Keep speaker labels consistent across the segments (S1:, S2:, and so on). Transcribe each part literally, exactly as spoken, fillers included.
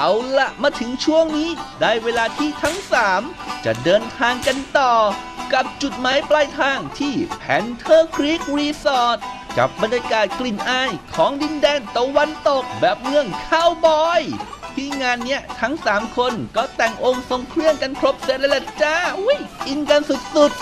S1: เอาละมาถึงช่วงนี้ได้เวลาที่ทั้งสามจะเดินทางกันต่อกับจุดหมายปลายทางที่ Panther Creek Resort กับบรรยากาศกลิ่นอายของดินแดนตะวันตกแบบเมืองคาวบอยที่งานเนี้ยทั้งสามคนก็แต่งองค์ทรงเครื่องกันครบเสร็จแล้วล่ะจ้าอุ้ยอินกันสุดๆ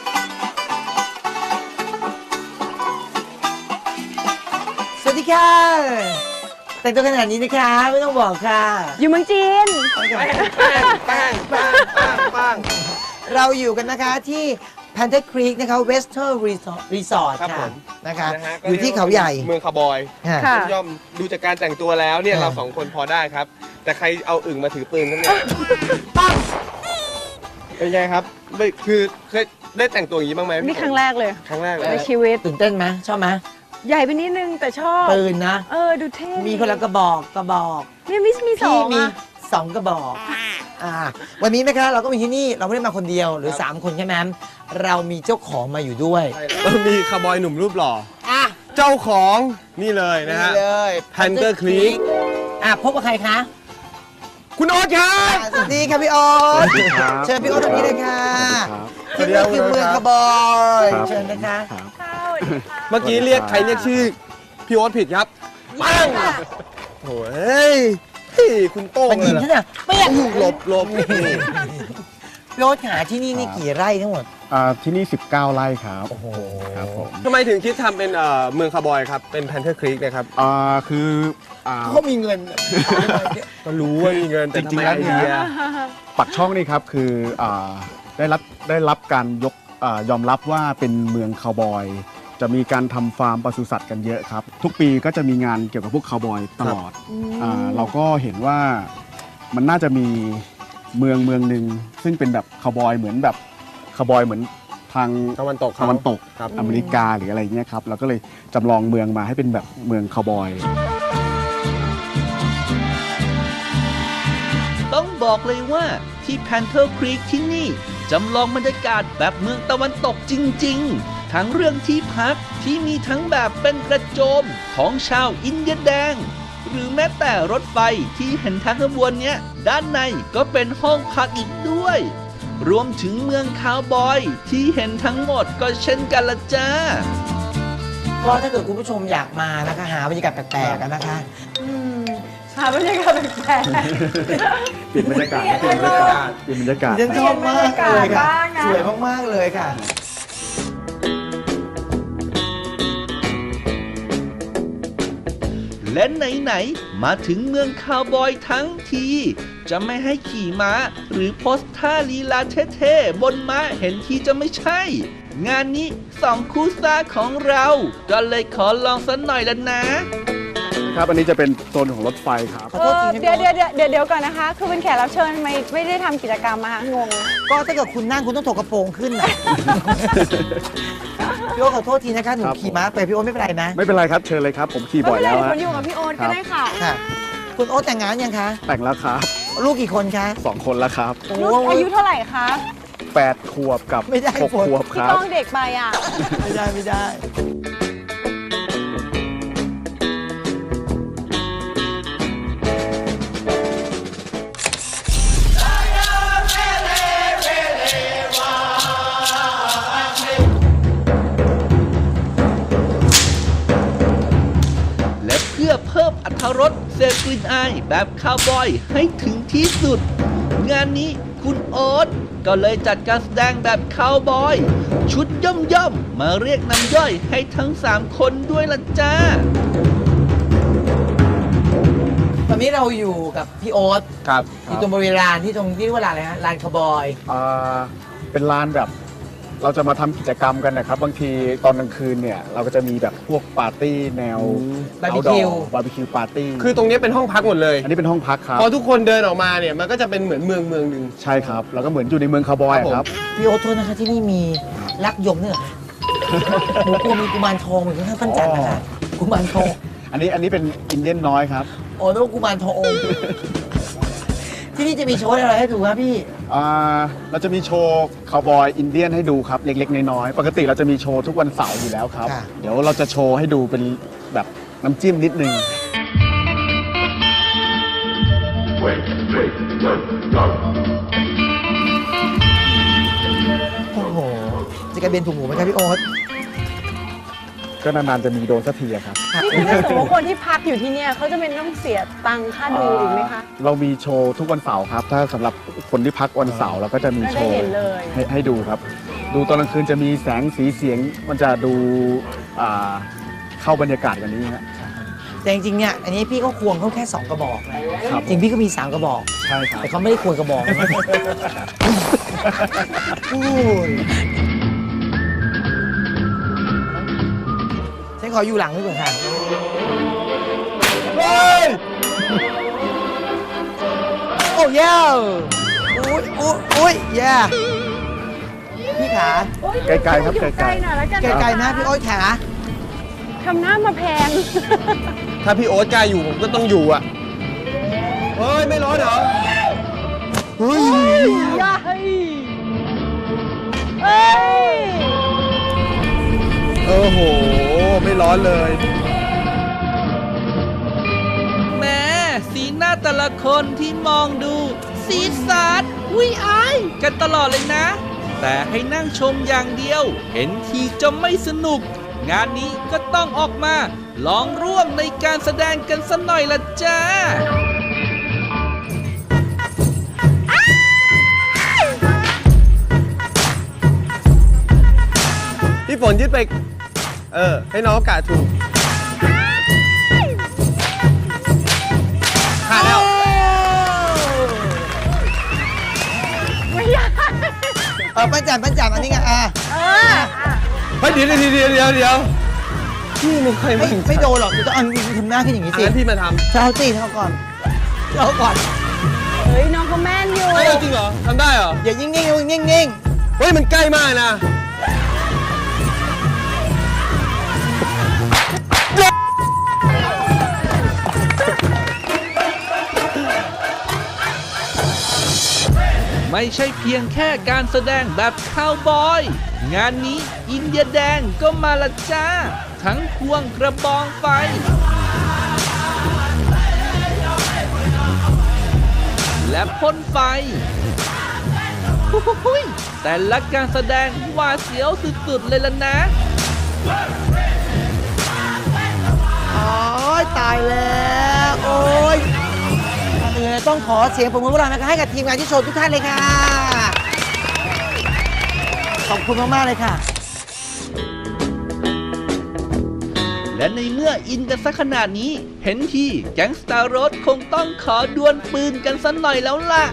S2: สวัสดีค่ะแต่งตัวขนาดนี้นะคะไม่ต้องบอกค่ะ
S3: อยู่เมืองจีน
S2: ปังปังปังปังปังเราอยู่กันนะคะที่ Panther Creek นะคะ Western Resort Resort ค่ะนะคะอยู่ที่เขาใหญ่
S4: เมืองคาวบอยย่อมดูจากการแต่งตัวแล้วเนี่ยเราสองคนพอได้ครับแต่ใครเอาอึ่งมาถือปืนกันเนี่ยปังเป็นไงครับคือเคยได้แต่งตัวอย่างนี้บ้างไหม
S3: นี่ครั้งแรกเลย
S4: ครั้งแรกเลย
S3: ในชีวิต
S2: ตื่นเต้นไหมชอบไหม
S3: ใหญ่ไปนิดนึงแต่ชอบ
S2: ปืนนะ
S3: เออดูเท่
S2: มีคนละกระบอกกระบอก
S3: นี่มีมีสอง
S2: มีสองกระบอกอ่าวันนี้นะคะเราก็มีที่นี่เราไม่ได้มาคนเดียวหรือสามคนใช่ไหมเรามีเจ้าของมาอยู่ด้วย
S4: มีคาวบอยหนุ่มรูปหล่ออ่ะเจ้าของนี่เลยนะฮะ Panther Creek
S2: อ่ะพบกับใครคะ
S4: คุณโอ๊ตครับ
S2: สวัสดีครับพี่โอ๊ตเชิญพี่โอ๊ตตรงนี้เลยค่ะที่นี่คือเมืองคาวบอยเชิญนะคะ
S4: เมื่อกี้เรียกใครเรียกชื่อพี่โอ๊ตผิดครับปังโอ้ยคุณโต้ง
S2: เลยเหรอไม่อยาก
S4: หลบหลบ
S2: พี่โอ๊ตหาที่นี่นี่กี่ไร่ทั้งหมด
S5: อ่าที่นี่สิบเก้าไร่ครับ
S2: โอ้โห
S4: ครับผมทำไมถึงคิดทำเป็นเมืองคาวบอยครับเป็น Panther Creek นะครับ
S5: อ่าคือ
S2: เขามีเงิน
S4: ก็รู้ว่ามีเงิน
S5: จริงๆแล้วเนี่ยปักช่องนี่ครับคือได้รับได้รับการยกยอมรับว่าเป็นเมืองคาวบอยจะมีการทำฟาร์มปศุสัตว์กันเยอะครับทุกปีก็จะมีงานเกี่ยวกับพวกคาวบอยตลอดเราก็เห็นว่ามันน่าจะมีเมืองเมืองหนึ่งซึ่งเป็นแบบคาวบอยเหมือนแบบคาวบอยเหมือนทาง
S4: ตะวันตก
S5: ตะวันตกอเมริกาหรืออะไรเงี้ยครับเราก็เลยจำลองเมืองมาให้เป็นแบบเมืองคาวบอย
S1: ต้องบอกเลยว่าที่ Panther Creek ที่นี่จำลองบรรยากาศแบบเมืองตะวันตกจริงๆทั้งเรื่องที่พักที่มีทั้งแบบเป็นกระโจมของชาวอินเดียแดงหรือแม้แต่รถไฟที่เห็นทางขบวนเนี้ยด้านในก็เป็นห้องพักอีกด้วยรวมถึงเมืองคาวบอยที่เห็นทั้งหมดก็เช่นกันละจ้า
S2: ก็ถ้าเกิดคุณผู้ชมอยากมานะคะหาบรรยากาศแปลกๆกันนะคะ
S3: หาบรรยากาศแปลก
S5: ๆเปลี่ยนบรรยากาศเปลี่ยนบรรยากาศเปลี่ยนบรรยากาศ
S2: ฉันชอบมากเลยค่ะสวยมากๆเลยค่ะ
S1: และไหนๆมาถึงเมืองคาวบอยทั้งทีจะไม่ให้ขี่ม้าหรือโพสท่าลีลาเท่ๆบนม้าเห็นทีจะไม่ใช่งานนี้สองคู่ซ่าของเราก็เลยขอลองสักหน่อยละนะครับ
S5: อันนี้จะเป็นโซนของรถไฟครับ
S3: เดี๋ยวเดี๋ยวเดี๋ยวเดี๋ยวก่อนนะคะคือเป็นแขกรับเชิญทำไมไม่ได้ทำกิจกรรมมา
S2: งงก็ถ้าเกิดคุณนั่งคุณต้องถกกระโปรงขึ้นนะพี่โอ๊ตขอโทษทีนะคะหนูขี่ม้าไปพี่โอ๊ตไม่เป็นไรนะ
S5: ไม่เป็นไรครับเชิญเลยครับผมขี่บ่อยแล้ว
S3: คนอยู่กับพี่โอ๊ตก็ได้ค่ะ
S2: คุณโอ๊ตแต่งงานยังคะ
S5: แต่งแล้วครับ
S2: ลูกกี่คนคะ
S5: สองคนแล้วครับ
S3: ลูกอายุเท่าไหร่คะ
S5: แปดขวบกับหกขวบครับ
S3: พี่ต้องเด็กไปอ่ะ
S2: ไม่ได้ไม่ได้
S1: เพิ่มอรรถรสเสพกลิ่นอายแบบคาวบอยให้ถึงที่สุดงานนี้คุณโอ๊ตก็เลยจัดการแสดงแบบคาวบอยชุดย่อมย่อมมาเรียกน้ำย่อยให้ทั้งสามคนด้วยล่ะจ้า
S2: ตอนนี้เราอยู่กับพี่โอ๊ต
S5: ครับ
S2: อยู่ตรงบริเวณลานที่ตรงที่เรียกว่าลานอะไรฮะลานคาวบอย
S5: อ่าเป็นลานแบบเราจะมาทำกิจกรรมกันนะครับบางทีตอนกลางคืนเนี่ยเราก็จะมีแบบพวกปาร์ตี้แนว
S2: บาร์บีคิว
S5: บาร์บีคิวปาร์ตี้
S4: คือตรงนี้เป็นห้องพักหมดเลย
S5: อันนี้เป็นห้องพักครับ
S4: พอทุกคนเดินออกมาเนี่ยมันก็จะเป็นเหมือนเมืองเมืองหนึ่ง
S5: ใช่ครับแล้วก็เหมือนอยู่ในเมืองคาวบอยครับ
S2: พี่โอ๊ตโทษนะคะที่นี่มีลักยมเนี่ยหนูกลัวมีกุมารทองเหมือนข้างปั้นจันทร์นะคะกุมารทอง
S5: อันนี้อันนี้เป็นอินเดียนน้อยครับ
S2: โอ้ต้องกุมารทองที่นี่จะมีโชว์อะไรให้ดูครับพี่
S5: อ่าเราจะมีโชว์คาวบอยอินเดียนให้ดูครับเล็กๆน้อยๆปกติเราจะมีโชว์ทุกวันเสาร์อยู่แล้วครับเดี๋ยวเราจะโชว์ให้ดูเป็นแบบน้ำจิ้มนิดนึง
S2: โอ้โห จะกระเบนถูกหมูไหมครับพี่โอ๊ต
S5: ก็นานๆจะมีโดนสักทีอะครับ
S3: นี่ถ้าสมมติว่าคนที่พักอยู่ที่เนี่ยเขาจะเป็นต้องเสียตังค่าดูอีกไหมคะ
S5: เรามีโชว์ทุกวันเสาร์ครับ ถ้าสำหรับคนที่พักวันเสาร์เราก็จะมีโชว์
S3: ได้เห็นเลย
S5: ให้ให้ดูครับ ดูตอนกลางคืนจะมีแสงสีเสียงมันจะดูอ่าเข้าบรรยากาศกันนี้ฮะ
S2: แต่จริงๆเนี่ยอันนี้พี่ก็ควงเขาแค่สองกระบอกนะครับ จริงพี่ก็มีสามกระบอก
S5: ใช่ครับ
S2: แต่เขาไม่ได้ควงกระบอกนะโอ้ยฉันขออยู่หลังด้วยก่อนค่ะเฮ้ยโอ้ยยอุ้ยอุ้ยอุ้ยแย่พี่ขา
S5: ไกลๆครับ
S3: อยู่
S5: ไกลๆ
S3: ไกลหน่อยแล้วกัน
S2: ไกลๆนะพี่โอ๊ยขา
S3: ทำหน้ามาแพง
S4: ถ้าพี่โอ๊ตกล้าอยู่ผมก็ต้องอยู่อ่ะ เฮ้ย ไม่ร้อนเหรอ
S2: เฮ้ย
S3: อย่าเฮ้ยเอ้ย
S4: โอ้โห ไม่ร้อนเลย
S1: แม้สีหน้าแต่ละคนที่มองดู สีสันวิอายกันตลอดเลยนะ แต่ให้นั่งชมอย่างเดียว เห็นทีจะไม่สนุก งานนี้ก็ต้องออกมาลองร่วมในการแสดงกันสักหน่อยละจ้า
S4: พี่ฝนยึดไป เออ ให้น้องกะถูกขาดแล้ว
S3: ไม่อยาก
S2: เออปั้นจันปั้นจันอันนี้ไงอ่ะ
S3: เออ
S4: เฮ้ยเดี๋ยวเดี๋ยวเดี๋ยวเดี๋ยวเดี๋ยวพี่ไม่เคย
S2: ไม่
S4: มั่นใจ
S2: ไม่โดนหรอกคุณต้องเอาทำหน้าขึ้นอย่างนี้สิ
S4: งั้นพี่มาทำ
S2: เท้าสิเท้าก่อนเท้าก่อน
S3: เฮ้ยน้องเขาแม่นอยู่
S4: เฮ้ยจริงเหรอทำได้เหรอ
S2: อย่ายิ่งนิ่งๆนิ่งๆนิ่ง
S4: เฮ้ย มันใกล้มากนะ
S1: ไม่ใช่เพียงแค่การแสดงแบบคาวบอย งานนี้อินเดียแดงก็มาละจ้า ทั้งควงกระบองไฟ และพ่นไฟหุยแต่ละการแสดงหวาดเสียวสุดๆเลยล่ะนะ
S2: ๆโอ้ยตายแล้วโอ้ยก่อนอื่นเลยต้องขอเสียงปรบมือพวกเรานะคะให้กับทีมงานที่โชว์ทุกท่านเลยค่ะขอบคุณมากๆเลยค่ะ
S1: และในเมื่ออินกันสักขนาดนี้ เห็นทีแก๊งสตาร์โรสคงต้องขอดวลปืนกันสักหน่อยแล้วล่ะ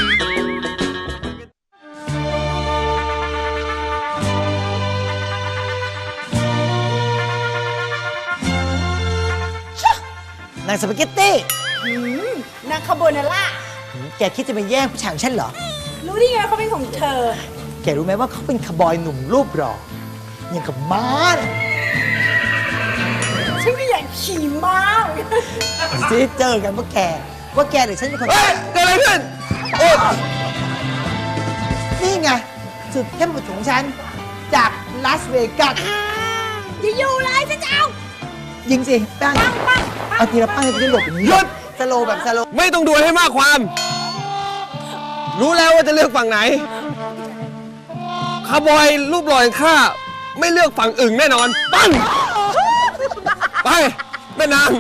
S2: นางสปาเกตตี้
S3: นางคาโบนาร่า
S2: แกคิดจะมาแย่งผู้ชายของฉันเหรอ
S3: รู้ได้ไงเขาเป็นของเธอ
S2: แกรู้ไหมว่าเขาเป็นคาวบอยหนุ่มรูปหล่ออย่างกับม้าน่ะ
S3: ฉันก็อยากขี่ม้า
S2: ซีเจอกันว่าแก ว่าแกหรือฉันเป็นคน
S4: เฮ้ยเกิดอะไรขึ้น
S2: โอ๊ยนี่ไงสุดเข้มข้นของฉัน จากลาสเวกัส
S3: อย่าอยู่เลยฉันจะเอา
S2: ยิงสิแป้งเอาทีละป้างให้พี่หลบอย่างนี้
S4: หยุด
S2: สโลว์แบบสโลว์
S4: ไม่ต้องดูให้มากความ รู้แล้วว่าจะเลือกฝั่งไหน คาร์บอยรูปหล่ออย่างข้าไม่เลือกฝั่งอึ่งแน่นอน ปั้ง ไปแม่นาง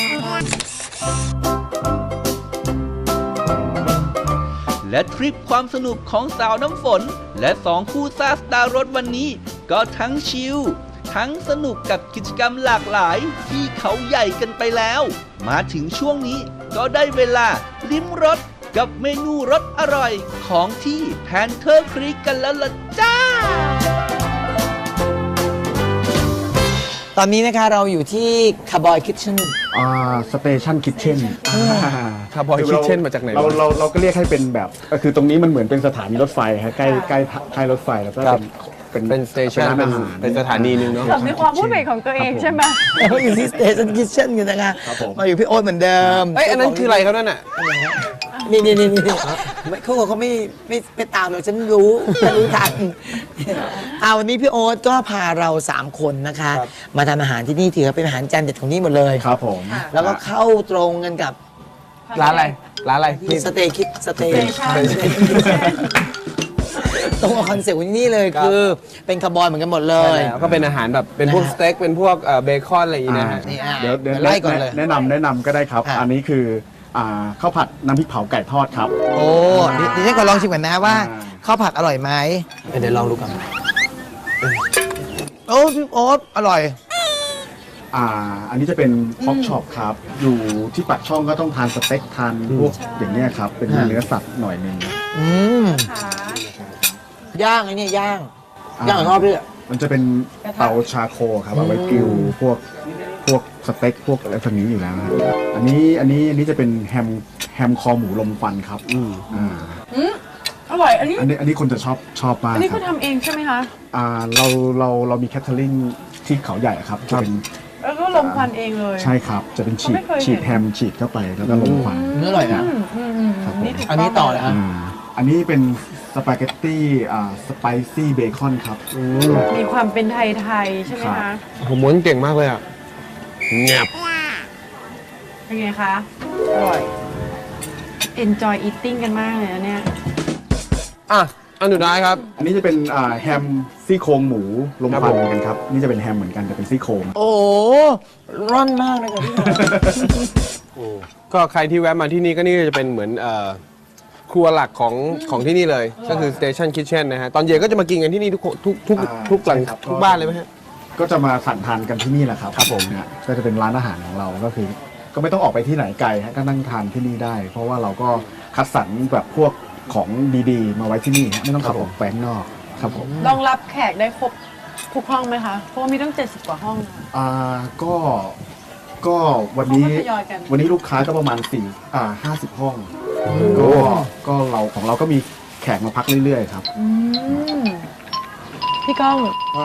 S1: และทริปความสนุกของสาวน้ำฝน และสองคู่ซ่าสตาร์รถวันนี้ ก็ทั้งชิล ทั้งสนุกกับกิจกรรมหลากหลายที่เขาใหญ่กันไปแล้ว มาถึงช่วงนี้ก็ได้เวลาลิ้มรสกับเมนูรสอร่อยของที่แพนเทอร์ครีกกันแล้วล่ะจ้า
S2: ตอนนี้นะคะเราอยู่ที่คาร์บอยคิทเช่น
S5: อ่าสเตชันคิทเช่น
S4: Cowboy Kitchen มาจากไหนวะ
S5: เราเราเราก็เรียกให้เป็นแบบก็คือตรงนี้มันเหมือนเป็นสถานีรถไฟครับใกล้ใกล้ใกล้รถไฟแล้วก็
S4: ครับ
S5: เป็น
S4: เป็นสเตชัน
S5: ร้าน
S4: เป็น
S5: อาหาร
S4: เป็นสถานีหนึงเนาะ
S3: ผมในความพูดเป็นของตัวเองใช่ไหม
S2: เราอยู่ที่สเตชันคิทเช่นกันนะคะ
S5: ครับผม
S2: มาอยู่พี่โอ๊ตเหมือนเดิม
S4: เอ้ยอันนั้นคืออะไรครับนั่นน่ะ
S2: นี่นี่นี่นี่ไม่เขาเขาไม่ไม่ไม่ตามเราฉันรู้ฉันรู้ทันเอาวันนี้พี่โอ๊ตก็พาเราสามคนนะคะ
S4: ครับ
S2: มาทำอาหารที่นี่ถือว่าเป็นอาหารจานเด็ดของนี่หมดเลย
S5: ครับผม
S2: แล้วก็เข้าตรงกันกับ
S4: ร้านอะไรร้านอะไรพี่
S2: สเตย์คิดสเตย์
S3: Station
S2: ตรงกับคอนเซ็ปต์ของที่นี่เลย
S4: ครับ
S2: คือเป็นคาร์บอยเหมือนกันหมดเล
S4: ใช่
S2: ย
S4: แล้วก็เป็นอาหารแบบเป็นพวก
S2: นะฮะ
S4: สเต็กเป็นพวกเอ่อเบคอนอะไรอย่างงี้นะฮะ
S2: นี่อ่ะ
S5: เดี๋ยวเดี๋ยว
S2: ไล่ก่อนเลย
S5: แนะนำแนะนำก็ได้ครับ
S2: อ่ะ
S5: อันนี้คืออ่าข้าวผัดน้ำพริกเผาไก่ทอดครับ
S2: โอ้เดี๋ยวเดี๋ยวฉันขอลองชิมก่อนนะว่า
S5: อ่า
S2: ข้าวผัดอร่อยไหมเดี๋ยวลองดูกันโอ้พี่โอ๊ตอร่อย
S5: อ่าอันนี้จะเป็นพ็อกช็อปครับ อยู่ที่ปากช่องก็ต้องทานสเต็กทานพวกอย่างเงี้ยครับ เป็น
S2: ฮะ
S5: เนื้อสัตว์หน่อยหนึง
S2: อืม
S3: ค่ะ
S2: ย่างไอ้เนี่ยย่าง
S5: อ่า
S2: ย่างของพ่อพี่
S5: มันจะเป็นเตาชาโคลครับเอาไว้กริลพวกพวกสเต็กพวกอะไรพวกนี้อยู่แล้วนะอันนี้อันนี้อันนี้จะเป็นแฮมแฮมคอหมูลมควันครับอ่า
S3: อืมอร่อย อันนี้
S5: อันนี้อันนี้คนจะชอบชอบมาก
S3: อันนี้
S5: ค
S3: เขา
S5: รับ
S3: ทำเองใช่ไหมคะ
S5: อ่าเราเราเรามีแคทเทอริงที่เขาใหญ่ครับจะเป็น
S3: แล้วก็ลมควันเองเลย
S5: ใช่ครับ จะเป็นฉีด
S3: ไม่เคยเห็น
S5: ฉีดแฮมฉีดเข้าไปแล้วก็ลมควัน
S2: เนื้ออร่อยนะ
S3: อืมอืมอืม
S5: ครับผม
S3: ถูก
S2: อันนี้ต่อเลย
S3: ง
S2: อ่ะ
S5: อ่าอันนี้เป็นสปาเกตตี้อ่าสไปซี่เบคอนครับ
S3: มีความเป็นไทยๆใช่ไหม
S5: ครั
S3: คะ
S5: บ
S4: ผมม้วนเก่งมากเลยอ่ะเงียบ
S3: เป็นไงคะ อร่อย enjoy eating กันมากเลยนะเนี่ย
S4: อ่ะอันสุดท้ายครับ
S5: อันนี้จะเป็นอ่าแฮมซี่โครงหมูลม
S4: ครับ
S5: ควัน
S4: ผม
S5: เหมือนกันครับนี่จะเป็นแฮมเหมือนกันแต่เป็นซี่โครง
S2: โอ้โหร่อนมากเลยครับพี่หมอ
S4: ก็ใครที่แวะมาที่นี่ก็นี่จะเป็นเหมือนเอ่อครัวหลักของของที่นี่เลย ก็คือ Station Kitchen นะฮะ ตอนเย็นก็จะมากินกันที่นี่ทุกทุกทุก
S5: อ่า
S4: ทุกหลัง
S5: ใช่ครับ
S4: ทุกบ้านเลยไหมฮะ
S5: ก็จะมาสั่งทานกันที่นี่แหละครับ
S4: ครับผม
S5: เนี่ยก็จะเป็นร้านอาหารของเราก็คือ ก็ไม่ต้องออกไปที่ไหนไกลฮะก็นั่งทานที่นี่ได้ เพราะว่าเราก็คัดสรรแบบพวกของดีๆ มาไว้ที่นี่ฮะไม่ต้องขับออกไปข้างนอกครับผม
S3: รองรับแขกได้ครบทุกห้องไหมคะ เพราะว่ามีตั้งเจ็ดสิบกว่าห้องนะ
S5: อ่าก็ก็วันนี้
S3: เขาก็ทยอยกัน
S5: วันนี้ลูกค้าก็ประมาณสี่อ่าห้าสิบห้องก็ก็เราของเราก็มีแขกมาพักเรื่อยๆครับ
S3: อืมพี่ก้อง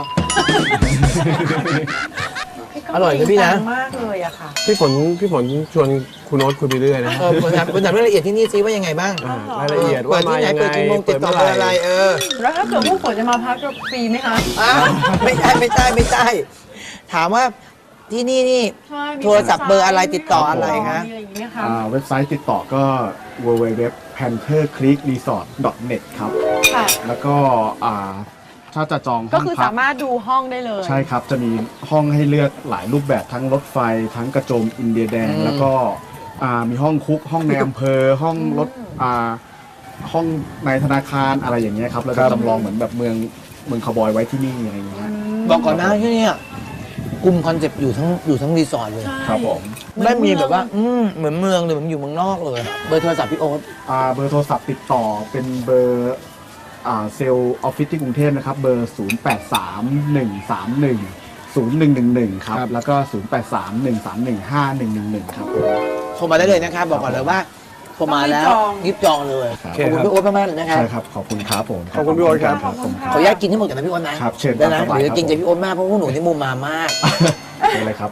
S3: พี่ก้ง
S2: อร่อยเลยพี่นะ
S3: จริงจังมากเลยอะค่ะ
S4: พี่ฝนพี่ฝนชวนคุณโน้ตคุยไปเรื่อยนะ
S2: เออคุณถามคุณถามรายละเอียดที่นี่ซิว่ายังไงบ้าง
S4: อ่ารายละเอียด
S2: เปิ
S4: ว่า
S2: ด
S4: มา
S2: ที่ไหน
S4: ยังไง
S2: เปิดกี่โมงติดต่อ
S4: เมื่
S2: เบอร์อะไรเออ
S3: แล้วถ้าเกิดพวกฝนจะมาพักจะฟรีไหมคะ
S2: อ้าวไม่ใช่ไม่ใช่ไม่ใช่ ถามว่าที่นี่นี่
S3: ใช่มี
S2: โทรศัพท์เบอร์อะไรติดต่ออะไรคะ
S3: มีอะไรอย่างเงี้ยคะ
S5: อ่าเว็บไซต์ติดต่อก็ ดับเบิลยู ดับเบิลยู ดับเบิลยู ดอท แพนเทอร์ ครีก รีสอร์ท ดอท เน็ต ครับ
S3: ค่ะ
S5: แล้วก็อ่าถ้าจะจองห้
S3: ก็
S5: อง
S3: คือ
S5: พั
S3: สาก มารถดูห้องได้เลย
S5: ใช่ครับ จะมีห้องให้เลือกหลายรูปแบบทั้งรถไฟ ทั้งกระโจมอินเดียแดง
S2: อืม
S5: แล้วก็อ่ามีห้องคุก ห้องในอำเภอ ห้องรถอ่าห้องในธนาคารอะไรอย่างเงี้ยครับเราจะจำลองเหมือนแบบเมืองเมืองคาวบอยไว้ที่นี่อะไรอย่างเงี้ย
S2: บอกก่อนนะที่เนี่ยกลุ่มคอนเซ็ปต์อยู่ทั้งอยู่ทั้งรีสอร์ทเลย
S3: ใช่
S5: ครับผม
S2: ไม่มีแบบว่า อืมเหมือนเมืองเลยเหมือนอยู่เมืองนอกเลย เบอร์โทรศัพท์พี่โอ๊ต
S5: อ่าเบอร์โทรศัพท์ติดต่อเป็นเบอร์อ่าเซลล์ออฟฟิศที่กรุงเทพนะครับ เบอร์ ศูนย์ แปด สาม หนึ่ง สาม หนึ่ง ศูนย์ หนึ่ง หนึ่ง หนึ่ง ครับ
S4: ครับ
S5: แล้วก็ ศูนย์ แปด สาม หนึ่ง สาม หนึ่ง ห้า หนึ่ง หนึ่ง หนึ่ง ครับ
S2: โทรมาได้เลยนะครับ บอกก่อนเลยว่าโทรมาแล้วรีบจองเลย
S5: ครับ
S2: ขอบคุณพี่โอ๊ตมากๆเลยนะครับ
S5: ใช่ครับ ขอบคุณครับผม
S4: ขอบคุณพี่โอ๊ตครับ
S5: ขอบคุณค
S2: ข
S5: รั
S2: อบ อนุญาตกินให้หมดกันนะพี่โอ๊ตนะครับ
S5: เชิญ
S2: ได้นะ
S5: ตามสบาย
S2: เดี๋ยวจะกิน
S5: ครับ
S2: ใจพี่โอ๊ตมากเพราะพวกหนูนี่มุมมามาก
S5: เป็นไรครับ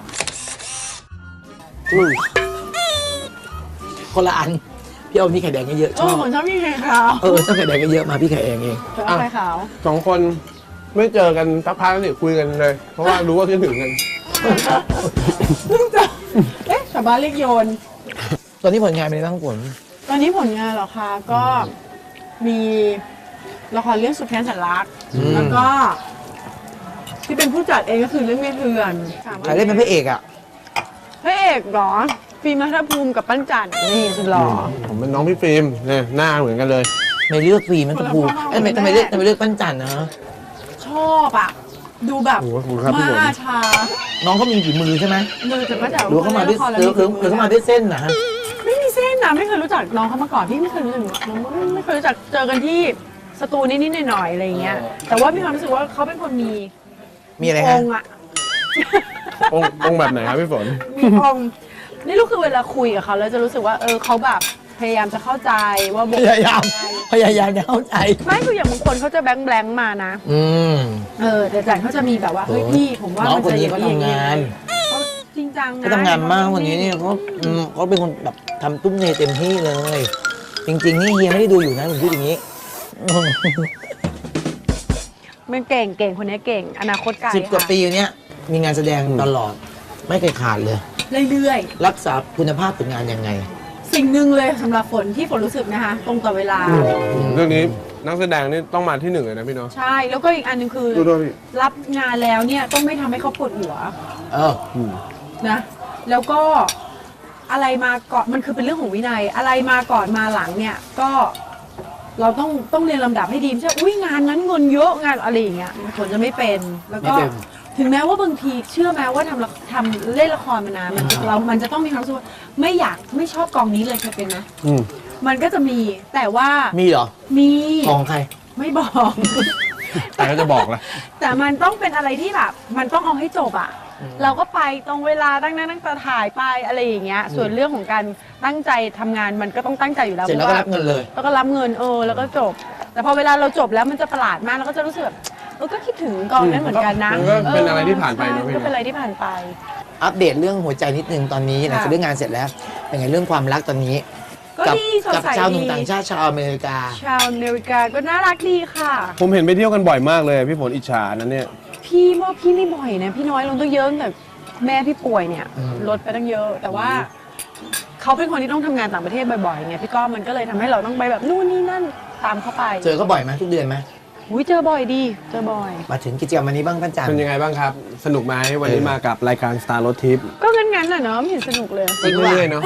S2: คนละอัน พี่เอาพี่ไข่แดงเยอะๆช
S3: โอ้
S2: อบ
S3: ผมชอบพี่ไข่ขาว
S2: เออชอบไข่แดงเยอะๆมาพี่ไข่แดงเอง
S3: ชอบไข่ขาว
S4: สองคนไม่เจอกันสักพักนี่คุยกันเลย เพราะว่ารู้ว่าคิดถึงกัน
S3: เพิ่งจะเอ๊ะชาวบ้านเรียกโยน
S2: ตอนนี้ผลงานเป็นไงบ้างฝน
S3: ตอนนี้ผลงานเหรอคะก็มีละครเรื่องสุดแค้นแสนรัก
S2: อืม
S3: แล้วก็ ที่เป็นผู้จัดเองก็คือเรื่องเมียเถื่อน
S2: ใครเล่นเป็นพระเอกอ่ะ
S3: พระเอกเหรอ ฟิล์มรัฐภูมิกับปั้นจันทร์นี่สุดหล่ออ
S4: ผมเป็นน้องพี่ฟิล์มเนี่ยหน้าเหมือนกันเลย
S2: ไม่เลือกฟรีมันตะพูเอ้ยทำไมทำไมเลือกทำไมเลือกปั้นจันทร์นะ
S3: ชอบอ่ะ ดูแบบ
S4: โอ้โหขอบคุณครับพี่ฝน
S3: มาชา
S2: น้องเขามีฝีมือใช่ไหม
S3: เลยแต่ก็แต่
S2: หรือว่าเขามาด้วย
S3: ละคร
S2: หรือหรือหรือเขามาด้วยเส้นนะฮะ
S3: ไม่มีเส้นนะไม่เคยรู้จักน้องเขามาก่อนพี่ไม่เคยรู้จักน้องไม่ไม่เคยรู้จักเจอกันที่สตูนิดๆหน่อยๆอะไรอย่างเงี้ย แต่ว่ามีความรู้สึกว่าเขาเป็นคนมี
S2: มีอะไร
S3: อ
S2: ฮะ
S3: งค์อะ
S4: องค์องค์แบบไหนครับพี่ฝน
S3: มีองค์นี่ลูกคือเวลาคุยกับเขาแล้วจะรู้สึกว่าเออเขาแบบพยายามจะเข้าใจว่าบ
S2: พ
S3: ท
S2: ยายามพยายามจะเข้าใจ
S3: ไม่คืออย่างบางคนเขาจะแบงค์แบงค์มานะ
S2: อืม
S3: เออแต่จันเขาจะมีแบบว่าเฮ้ยพี่ผมว่า
S2: น้อง
S3: มัน
S2: คน
S3: จะอ
S2: นี้
S3: ย่าง
S2: เขา
S3: นี้อย่าง
S2: ทำ
S3: นี้
S2: งาน
S3: เขาจริงจังนะ
S2: เขาทำงานมากวันนี้เนี่ยเขาอืมเขาเป็นคนแบบทำตุ้มเนเต็มที่เลย จริง ๆ นี่เฮียไม่ได้ดูอยู่นะผมพูดอย่างนี้
S3: มันเก่งเก่งคนนี้เก่งอนาคตไกล
S2: สิบกว่า
S3: ค่ะ
S2: ปีเนี้ยมีงานแสดงตลอด ไม่เคยขาดเลย
S3: เรื่อย
S2: รักษาคุณภาพผลงานยังไง
S3: ๆสิ่งหนึ่งเลยสำหรับฝนที่ฝนรู้สึกนะคะตรงต่อเวลา
S4: เรื่องนี้นักแสดงนี่ต้องมาที่หนึ่งเลยนะพี่เนาะ
S3: ใช่แล้วก็อีกอันหนึงคือ
S4: ดูด้วยพี่
S3: รับงานแล้วเนี่ยต้องไม่ทำให้เขาปวดหัว
S2: เออ
S3: นะแล้วก็อะไรมาก่อนมันคือเป็นเรื่องของวินัย อะไรมาก่อนมาหลังเนี่ยก็เราต้องต้องเรียนลำดับให้ดีไม่ใช่อุ้ยงานนั้นเงินเยอะงานอะไรอย่างเงี้ยผลจะไม่เป็นแล้วก็
S2: ไม่เป็น
S3: ถึงแม้ว่าบางทีเชื่อไหมว่าทำละทำเล่นละครมานานมันเรา มันจะต้องมีความรู้สึกว่าไม่อยากไม่ชอบกองนี้เลยเคยเป็นไหม
S4: อืม
S3: มันก็จะมีแต่ว่า
S2: มีเหรอ
S3: มี
S2: ของใคร
S3: ไม่บอก
S4: แต่ก็จะบอกละ
S3: แต่มันต้องเป็นอะไรที่แบบมันต้องเอาให้จบอะเราก็ไปตรงเวลาตั้งหน้าตั้งตาถ่ายไปอะไรอย่างเงี้ยส่วนเรื่องของการตั้งใจทำงานมันก็ต้องตั้งใจอยู่แล้ว
S2: เสร็จแล้วก็รับเงินเลย
S3: แล้วก็รับเงินเออแล้วก็จบ แต่พอเวลาเราจบแล้วมันจะประหลาดมากแล้วก็จะรู้สึกแบบเออก็คิดถึงกองนั้นเหมือนกันนะ
S4: มันก็เป็นอะไรที่ผ่านไปเนอะพี่
S3: ก็เป็นอะไรที่ผ่านไป
S2: อัปเดตเรื่องหัวใจนิดนึงตอนนี้หลังจาก
S3: ค่ะ
S2: เรื่องงานเสร็จแล้วเป็นไงเรื่องความรักตอนนี้
S3: ก็
S2: กั
S3: ดีสด
S2: กั
S3: ใส
S2: ชาวหนุ่ม
S3: ดี
S2: ต่างชาติชาวอเมริกา
S3: ชาวอเมริกาก็น่ารักดีค่ะ
S4: ผมเห็นไปเที่ยวกันบ่อยมากเลยพี่ฝนอิจฉานั้นเนี่ย
S3: พี่ว่าพี่ไม่บ่อยนะพี่น้อยลงตั้งเยอะตั้งแต่แม่พี่ป่วยเนี่ย
S2: อืม
S3: ลดไปตั้งเยอะ แต่ว่าเขาเป็นคนที่ต้องทำงานต่างประเทศบ่อยๆไงพี่ก้อมันก็เลยทำให้เราต้องไปแบบนู่นนี่นั่นตามเข้าไป
S2: เจอเขาบ่อยไหมทุกเดือนไหม
S3: อุ้ยเจอบ่อยดีเจอบ่อย
S2: มาถึงกิจกรรมวันนี้บ้างปั้นจัน
S4: เป็นยังไงบ้างครับ สนุกไหมวันนี้มากับรายการ Star Road Trip
S3: ก็งั้นๆน่ะเนาะไม่เห็นสนุกเลย
S2: จริงว่ะ
S4: เรื่อยๆเนาะ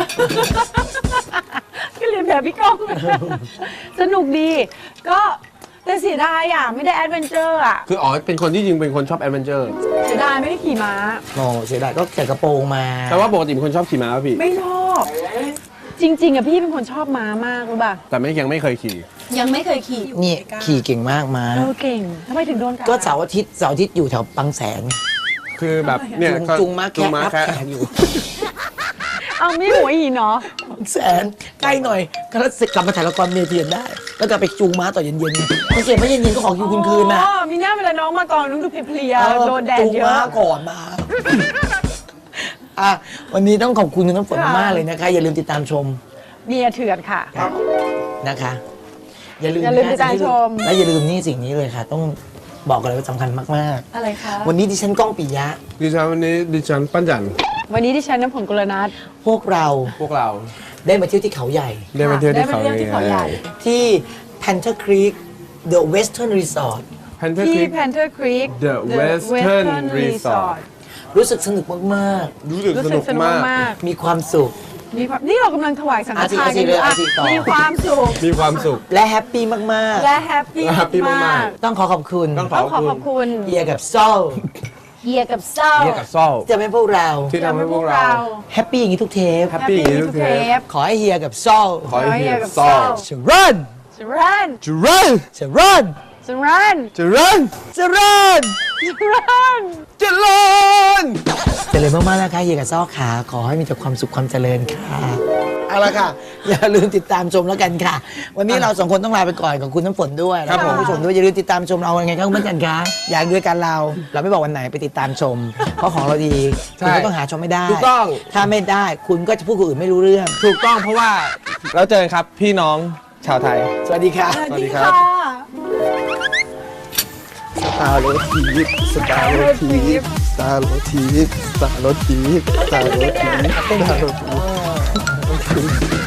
S3: ก็เรียนแบบพี่ก้อง สนุกดี ก็แต่เสียดายอ่ะไม่ได้แอดเวนเจอร์อ่ะ
S4: คืออ๋อเป็นคนที่จริงเป็นคนชอบแอดเวนเจอร์
S3: เสียดายไม่ได้ขี่ม้า
S2: โอ้เสียดายก็ใส่กระโปรงมา
S4: แต่ว่าปกติเป็นคนชอบขี่ม้าป่ะพี่
S3: ไม่ชอบ จริง ๆอ่ะพี่เป็นคนชอบม้ามากรู้ป่ะ
S4: แต่ไม่ยังไม่เคยขี่
S3: ยังไม่เคยขี่
S2: นี่ขี่เก่งมากมา
S3: เออเก่งทำไมถึงโดนกัด
S2: ก็เสาร์อาทิตย์เสาร์อาทิตย์อยู่แถวบางแสน
S4: คือแบบเนี่ย
S2: จุง
S4: ก็
S2: จุงม้า
S4: จุ
S2: แคะ
S4: งม้า
S2: รับ
S4: แคะ
S2: แขกอยู่
S3: เอาไม่หัวหินเนาะ
S2: บางแสนใกล้หน่อยก็แล้วกลับมาถ่ายละครเมเทียนได้ แล้วก็ไปจูงม้าต่อเย็นๆไงพอเสร็จไม่เย็นๆก็ขอคิวคืนๆนะ
S3: อ๋อมีหน้าเวลาน้องมากองน้องดูเพลียๆโดนแดด
S2: จูง
S3: เย
S2: ม้า
S3: อะ
S2: ก่อนมาอ่ะวันนี้ต้องขอบคุณคุณน้ำฝน
S3: ค่ะ
S2: มากๆเลยนะคะ อย่าลืมติดตามชม
S3: เมียเถื่อนค่ะ
S2: นะคะ อย่าลืม
S3: อย่าลืมติดตามชม
S2: และอย่าลืมนี่สิ่งนี้เลยค่ะ ต้องบอกกันเลยว่าสำคัญมาก
S3: อะไรคะ
S2: ๆ วันนี้ดิฉันก้องปิยะ
S4: ดิฉันวันนี้ดิฉันปั้นจัน
S3: วันนี้ที่ฉันน้ำผลกุลนัท
S2: พวกเรา
S4: พวกเรา
S2: ได้มาเที่ยวที่เขาใหญ่
S4: ได้มาเที่ยวที่เขา
S3: ได้มาเที่ยวที่เขาใหญ่
S2: ที่ Panther Creek The Western Resort
S4: แพนเทอร์
S3: ที่
S4: คลิป
S3: Panther Creek
S4: The Western Resort
S2: รู้สึกสนุกมาก
S4: รู้สึก
S3: รู้
S4: ส
S3: สึ
S4: นุ
S3: ก
S4: ก
S3: สนุก
S4: มาก
S3: มาก
S2: ๆ มีความสุข
S3: มีความนี่เรากำลังถวายสังฆทาน
S2: อาทิ
S3: กันอยู่
S2: อาทิ
S3: อ่ะ
S2: ต่อ
S3: มีความสุข
S4: มีความสุข
S2: และแฮปปี้มาก
S3: และแฮปปี้
S4: และแฮปปี้มากๆ
S3: มาก
S2: ๆ ต้องขอขอบคุณ
S4: ต้อง
S3: ต้องขอขอบคุณ
S2: เฮียกับโซ่
S3: เฮียกับเศร้า
S4: เรียกกับซ่อ
S2: ที่จะให้พวกเรา
S4: ที่ทำให้พวกเรา
S2: แฮปปี้อย่างนี้ทุกเทป
S4: แฮปปี้อย่างนี้ทุกเทป
S2: ขอให้เฮียกับโซ่
S4: ขอให้เฮีย
S3: กับ
S4: ซ่อ
S3: ซ่อ
S2: จะรัน
S3: สรัน
S4: จุรัน
S2: จะรัน
S3: สรัน
S4: จุรัน
S2: จะรัน
S3: สรัน
S4: เจริญ
S2: เจริญมากๆนะคะเฮียกับโซ่ขาขอให้มีแต่ความสุขความเจริญค่ะเอาละค่ะ อย่าลืมติดตามชมแล้วกันค่ะ วันนี้เราสองคนต้องลาไปก่อนกับคุณน้ำฝนด้วย
S4: ครับ
S2: แล้วก็
S4: ผม
S2: ณผู้ชมด้วยอย่าลืมติดตามชมเรายังไงครับคุณผู้ชมคะอยากด้วยกันเรา เราไม่บอกวันไหนไปติดตามชม เพราะของเราดีคุณก็ต้องหาชมไม่ได้
S4: ถูกต้อง
S2: ถ้าไม่ได้คุณก็จะพูดคนอื่นไม่รู้เรื่อง
S4: ถูกต้องเพราะว่าเราเจอกันครับพี่น้องชาวไทย
S2: สวัสดีค่ะ
S3: สวัส
S4: สวัสดี
S3: ดี
S4: ครับ
S3: ค่ะ
S2: สตาร์โรทีฟสตาร์โรทีฟสตาร์โรทีฟสตาร์โรทีฟสตาร์โรทีฟสตาร์โรทีฟ